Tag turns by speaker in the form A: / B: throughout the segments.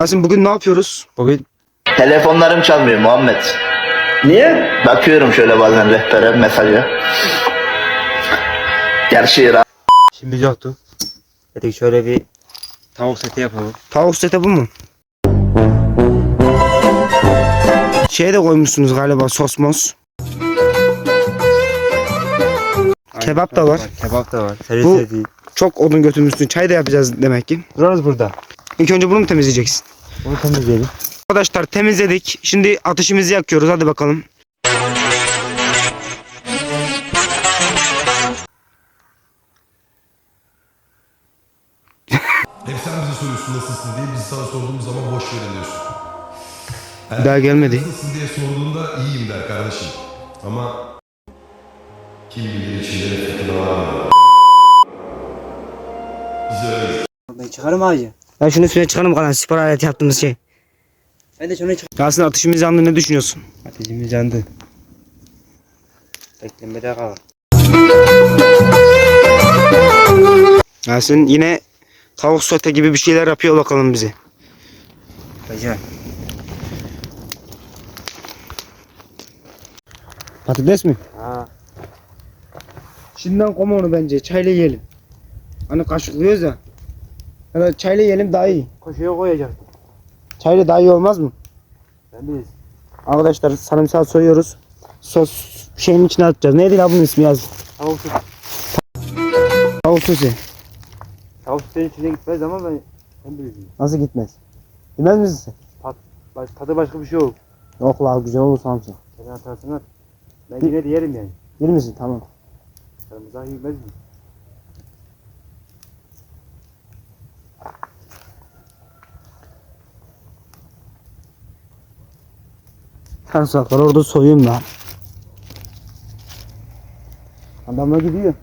A: Yasin bugün ne yapıyoruz? Bugün
B: Telefonlarım çalmıyor Muhammed.
A: niye?
B: Bakıyorum şöyle bazen rehbere mesaja. Gerçi
C: Şimdi yoktu. Dedik şöyle bir tavuk seti yapalım.
A: Tavuk seti bu mu? Şey de koymuşsunuz galiba, sos mos. Kebap da var.
C: Kebap da var.
A: Bu-
C: Seri seti.
A: Çok odun götürmüşsün. Çay da yapacağız demek ki.
C: Durarız burada.
A: İlk önce bunu mu temizleyeceksin?
C: Bunu temizleyelim.
A: Arkadaşlar temizledik. Şimdi ateşimizi yakıyoruz. Hadi bakalım.
D: Hep sen bize soruyorsun nasılsın diye, biz sana sorduğumuz zaman boş ver diyorsun.
A: Bir daha gelmedi.
D: Nasılsın diye sorduğunda iyiyim der kardeşim. Ama kim bilir içinde ne fırtına var mı? Biz öyleyiz.
C: Ben çıkarım ağacı.
A: Ben şunu üstüne çıkarım kalan spor aleti yaptığımız şey.
C: Ben de şunu çıkarım.
A: Yasin ateşimiz yandı, ne düşünüyorsun?
C: Ateşimiz yandı. Beklemede kal.
A: Yasin yine tavuk sote gibi bir şeyler yapıyor bakalım bize.
C: Güzel.
A: Patates mi?
C: Ha.
A: Şimdiden koma onu bence. Çayla yiyelim. Hani kaşıklıyoruz ya. Yani çayla yiyelim daha iyi.
C: Koşuya koyacak.
A: Çayla daha iyi olmaz mı?
C: Ben biliriz.
A: Arkadaşlar sarımsağı soyuyoruz. Sos şeyin içine atacağız. Neydi la bunun ismi yaz?
C: Tavuk seti.
A: Tavuk sosu.
C: Tavuk setinin içine gitmez ama ben bilirim.
A: Nasıl gitmez? Yemez misin sen?
C: Tadı başka bir şey yok.
A: Yok la güzel olur sarımsak.
C: Sen atarsın at. Ben yine de yerim yani.
A: Yer misin? Tamam.
C: Sarımsak yemez mi?
A: Sarımsaklar orada soyayım lan. Adamlar gidiyor.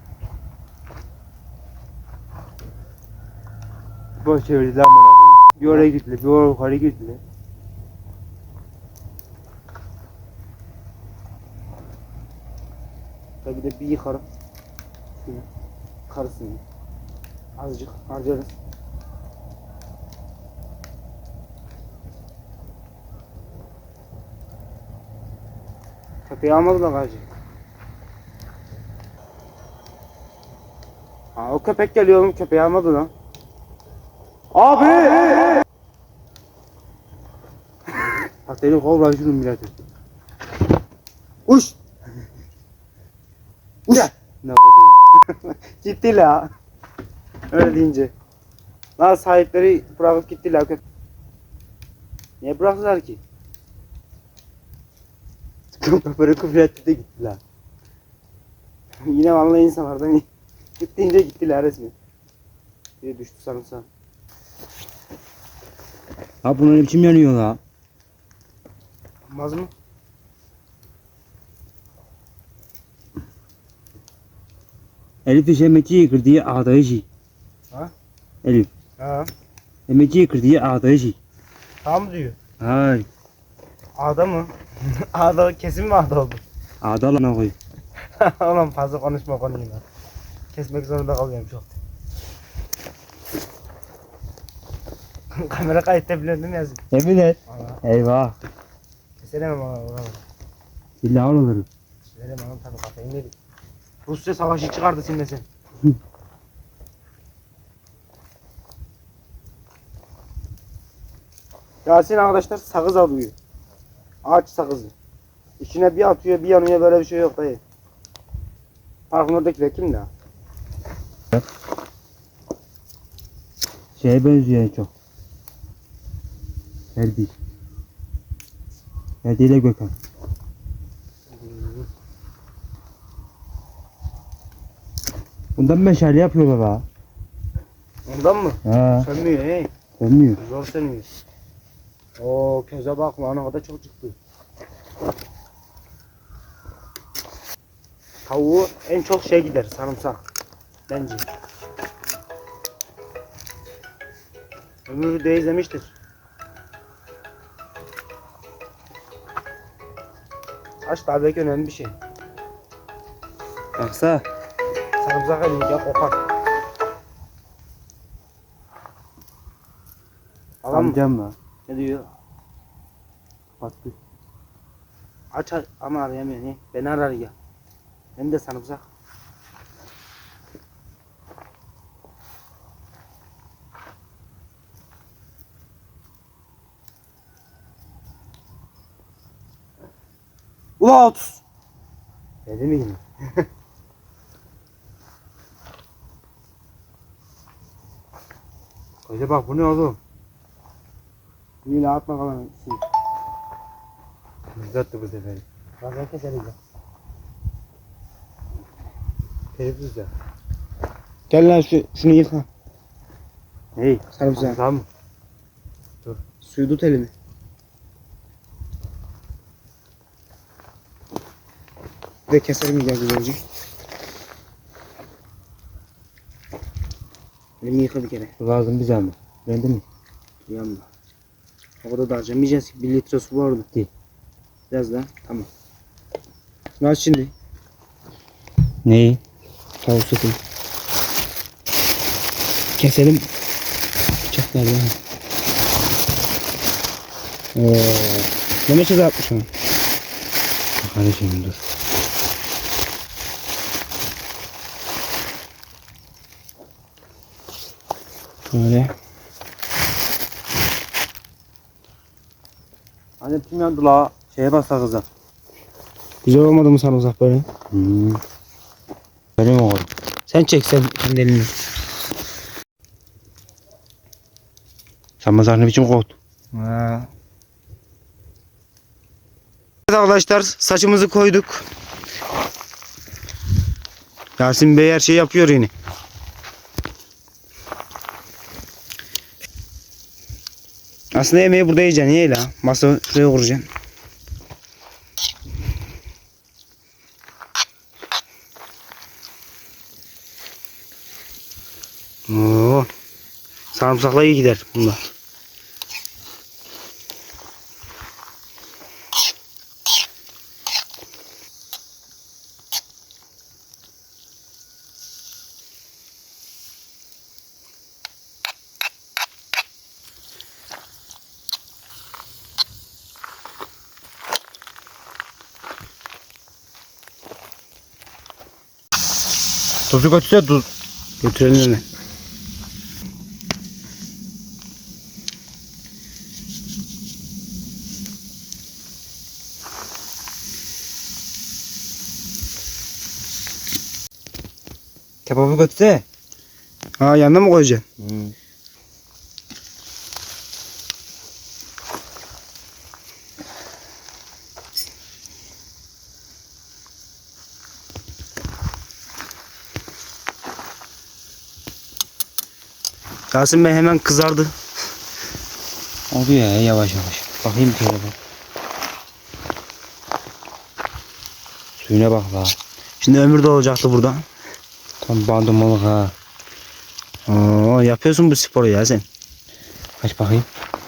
C: Boş çevirdiler bana koyayım. Bir oraya gittiler, bir oraya yukarı gittiler.
A: Tabii de bir yıkarım. Şunu karısını. Azıcık harcarız. Köpeği almadı da gacı. Ha o köpek geliyor oğlum, köpeği almadı lan. Abi!
C: Bak dedim kov lan şunu millete.
A: Uş! Uş!
C: Ne yapayım?
A: Gitti la. Öyle deyince. Lan sahipleri bırakıp gittiler köpek.
C: Niye bıraktılar ki? Köpekleri küfür etti de gittiler.
A: Yine vallahi insanlardan gittiğince gittiler resmen. Bir düştü sarımsak.
C: Ha bunun ne biçim yanıyor la?
A: Olmaz mı?
C: Elif iş emekçi kırdığı ağdayıcı.
A: Ha?
C: Elif.
A: Ha.
C: Emekçi kırdığı ağdayıcı.
A: Tam diyor.
C: Hay.
A: Ağda mı? Ağda kesin mi ağda oldu?
C: Ağda lan koy.
A: Oğlum fazla konuşma konuyu lan. Kesmek zorunda kalıyorum çok. Kamera kayıtta biliyorsun değil mi Yazın?
C: Emin et.
A: Valla.
C: Eyvah.
A: Keselemem bana oraları.
C: Billahi olur.
A: Keselemem oğlum tabii kafayı yedik. Rusya savaşı çıkardı sinmesen. Yasin arkadaşlar sakız alıyor. Ağaç sakızı. İçine bir atıyor bir yanıyor, böyle bir şey yok dayı. Parkın oradakiler kim de?
C: Şeye benziyor en çok. Ferdi. Ferdi ile Gökhan. Bundan meşale yapıyorlar ha.
A: Ondan mı?
C: Ha.
A: Sönmüyor hey.
C: Sönmüyor.
A: Zor sönmüyor. Oo köze bak lan, o kadar çok çıktı. Tavuğu en çok şey gider, sarımsak. Bence. Ömrü de izlemiştir. Saç da belki önemli bir şey.
C: Baksa.
A: Sarımsak elince kokar. Tamam mı?
C: Amcam var.
A: Ne diyor? Kapattı. Aç ama arayamıyor. Ne? Beni arar ya. Hem de sarımsak. Ula 30. Dedi mi yine? Koca bak bu ne oğlum? Yine atma kalan şey.
C: Uzattı bu sefer.
A: Bak ben keselim ya.
C: Telefsüz ya.
A: Gel lan şunu yıka.
C: Hey.
A: Sarımsak.
C: Tamam.
A: Suyu tut elimi. Ve keselim ya güzelce. Elimi yıka bir kere.
C: Lazım bize ama. Beğendin mi?
A: Yanma. O kadar da harcamayacağız ki. 1 litre su var orada.
C: Değil.
A: Biraz daha. Tamam. Şunu aç şimdi.
C: Neyi?
A: Tavuk sotu. Keselim. Bıçaklarla. Ne meşe atmış onu?
C: Kardeşim dur.
A: Böyle.
C: Anne kim yandı la? Şeye bassa kızım.
A: Güzel olmadı mı sarımsak böyle?
C: Benim oğlum.
A: Sen çek sen kendi elini.
C: Sen mazar ne biçim kovdun?
A: Evet arkadaşlar saçımızı koyduk. Yasin Bey her şeyi yapıyor yine. Aslında yemeği burada yiyeceksin. Niye la? Masa şuraya kuracaksın. Oo. Sarımsakla iyi gider bunlar.
C: Tuzu götürse tuz.
A: Götürelim hemen.
C: Kebabı götürse.
A: Ha yanına mı koyacaksın? Yasin Bey hemen kızardı.
C: Oldu ya yavaş yavaş. Bakayım şöyle bak. Suyuna bak la.
A: Şimdi Ömür de olacaktı burada.
C: Tam bandırmalık ha.
A: Oo, yapıyorsun bu sporu ya sen.
C: Kaç bakayım.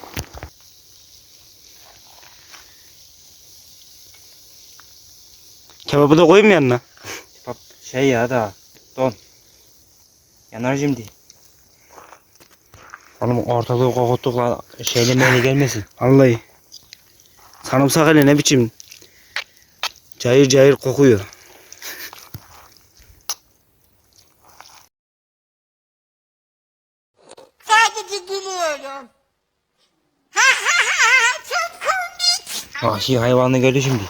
A: Kebabı da koyayım mı yanına?
C: Bak şey ya da don. Yanar şimdi. Oğlum ortalığı kokuttuk la. Şeyle meyle gelmesin.
A: Vallahi. Sarımsak hele ne biçim. Cayır cayır kokuyor.
E: Sadece gülüyorum. Çok komik.
C: Vahşi hayvanı gördü şimdi.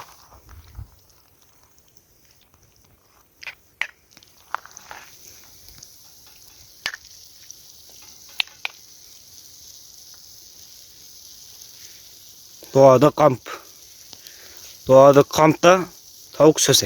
A: Doğada kamp. Doğada kampta tavuk söse.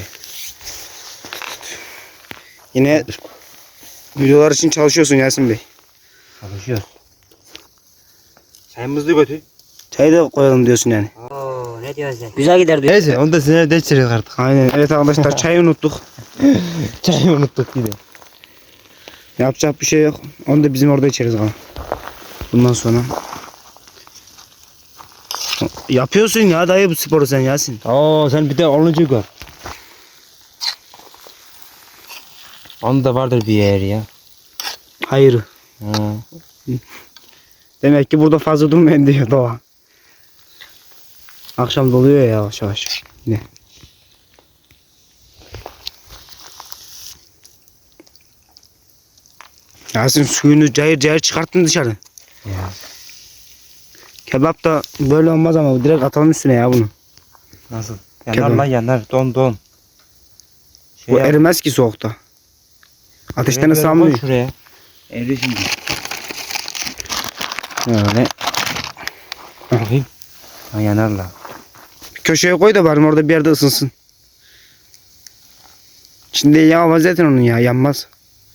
A: Yine videolar için çalışıyorsun Yasin Bey.
C: Çalışıyoruz. Çayımızı götür.
A: Çayı da koyalım diyorsun yani.
C: Oo ne diyorsun sen?
A: Güzel gider diyor.
C: Neyse onu da sinir değiştiririz artık.
A: Aynen. Evet arkadaşlar çayı unuttuk.
C: Çayı unuttuk bir de.
A: Yapacak bir şey yok. Onu da bizim orada içeriz ama. Bundan sonra. Yapıyorsun ya dayı bu sporu sen Yasin.
C: Oo sen bir de 10. gör. Onun da vardır bir yer ya.
A: Hayır.
C: Ha.
A: Demek ki burada fazla durmayın diyor doğa. Akşam doluyor ya yavaş yavaş. Ne? Yasin suyunu cayır cayır çıkarttın dışarı.
C: Ya.
A: Kebap da böyle olmaz ama direkt atalım üstüne ya bunu.
C: Nasıl? Yanar
A: Kebap.
C: lan yanar. Don.
A: Bu
C: yap.
A: erimez ki soğukta. Ateşten
C: Şuraya koy
A: ıslanmıyor.
C: Şuraya. Eri şimdi.
A: Öyle.
C: Bakayım. Ha yanar lan.
A: Köşeye koy da bari orada bir yerde ısınsın. Şimdi yağmaz zaten onun ya yanmaz.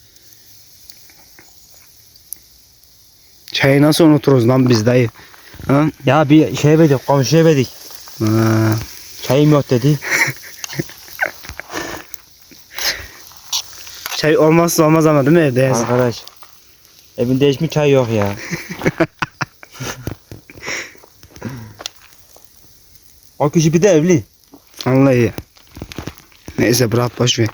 A: Çayı nasıl unuturuz lan biz dayı? Ha?
C: Ya bir şey verdik, komşuya verdik.
A: Ha.
C: Çayım yok dedi.
A: Çay olmazsa olmaz ama değil mi evde Yasin?
C: Arkadaş. Evinde hiç mi çay yok ya? O kişi bir de evli.
A: Vallahi. Neyse bırak boş ver.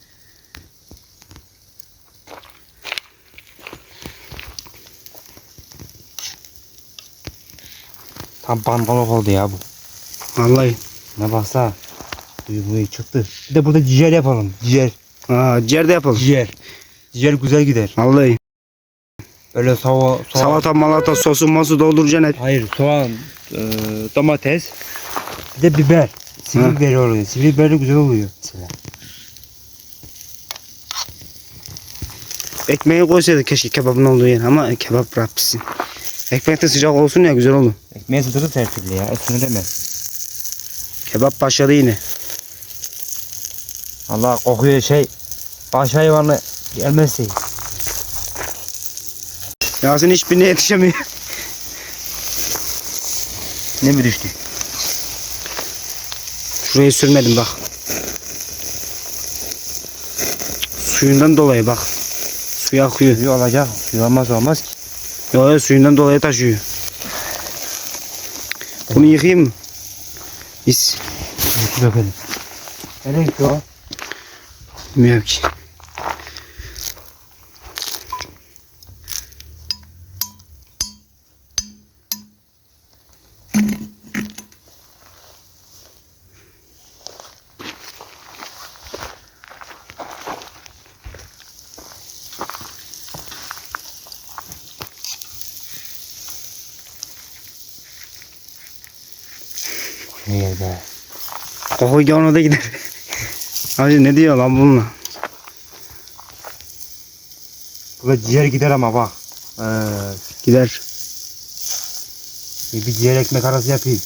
C: Tam bangalok oldu ya bu.
A: Vallahi.
C: Ne baksa. Duyguyu çıktı. Bir de burada ciğer yapalım. Ciğer.
A: Ciğer de yapalım.
C: Ciğer. Ciğer güzel gider.
A: Vallahi.
C: Öyle soğan.
A: Salata malata sosu masu dolduracaksın hep.
C: Hayır soğan, domates. Bir de biber. Sivri biberi oluyor. Sivri biberi güzel oluyor. Mesela.
A: Ekmeği koysaydık keşke kebabın olduğu yer ama kebap bırak pişsin. Ekmek de sıcak olsun ya güzel olur.
C: Ekmeğe sıdırır her türlü ya. Etini deme.
A: Kebap başladı yine.
C: Allah kokuyor şey. Baş hayvanı gelmezse.
A: Yasin hiçbirine yetişemiyor.
C: Ne mi düştü?
A: Şurayı sürmedim bak. Suyundan dolayı bak. Suyu akıyor.
C: Suyu olacak. Suyu olmaz ki.
A: Yo suyundan dolayı taşıyor. Bunu yıkayayım mı? Biz
C: Suyu dökelim. Nereye gitti o?
A: bilmiyorum ki.
C: Ne yerde?
A: Koku gavuna da gider. Abi ne diyor lan bununla?
C: Burada ciğer gider ama bak.
A: Gider.
C: Bir ciğer ekmek arası yapayım.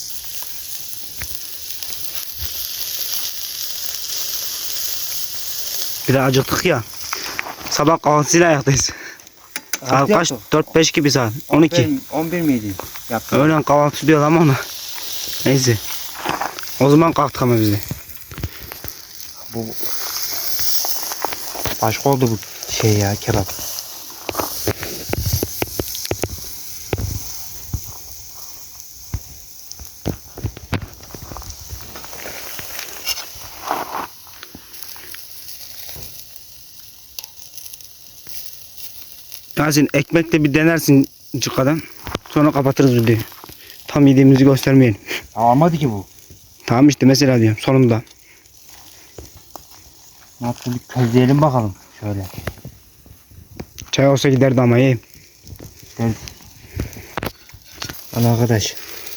A: Bir de acıktık ya. Sabah kahvaltısıyla ayaktayız. Saat kaç? 4-5 gibi saat. 12.
C: 11 miydi? Yaptım.
A: Öğlen kahvaltı diyor ama ona. Neyse. O zaman kalktık ama biz de.
C: Bu başka oldu bu şey ya kebap.
A: Yasin ekmekle bir denersin cıkkadan. Sonra kapatırız videoyu. Tam yediğimizi göstermeyelim.
C: Almadı ki bu.
A: Tamam işte mesela diyorum sonunda.
C: Ne yaptın bir közleyelim bakalım. Şöyle.
A: Çay olsa giderdi ama iyi.
C: Gel. Al arkadaş.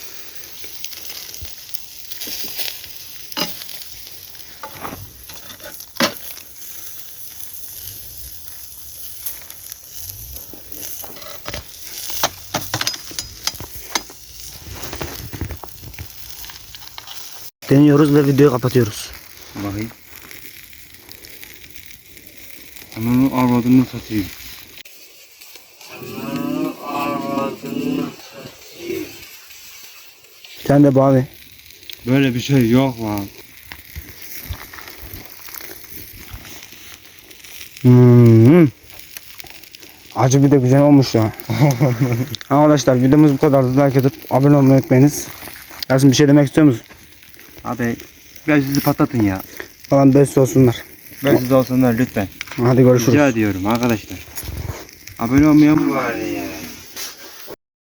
A: Deniyoruz ve videoyu kapatıyoruz.
C: Bakayım. Ananı arvadını satayım.
A: Sen de bağlı.
C: Böyle bir şey yok lan.
A: Acı bir de güzel olmuş ya. Arkadaşlar videomuz bu kadardı. Like atıp abone olmayı unutmayınız. Yasin bir şey demek istiyor musun?
C: Abi biraz sizi patlatın ya.
A: Falan best olsunlar.
C: Biraz siz olsunlar lütfen.
A: Hadi görüşürüz.
C: Rica ediyorum arkadaşlar. Abone olmayan mı var ya?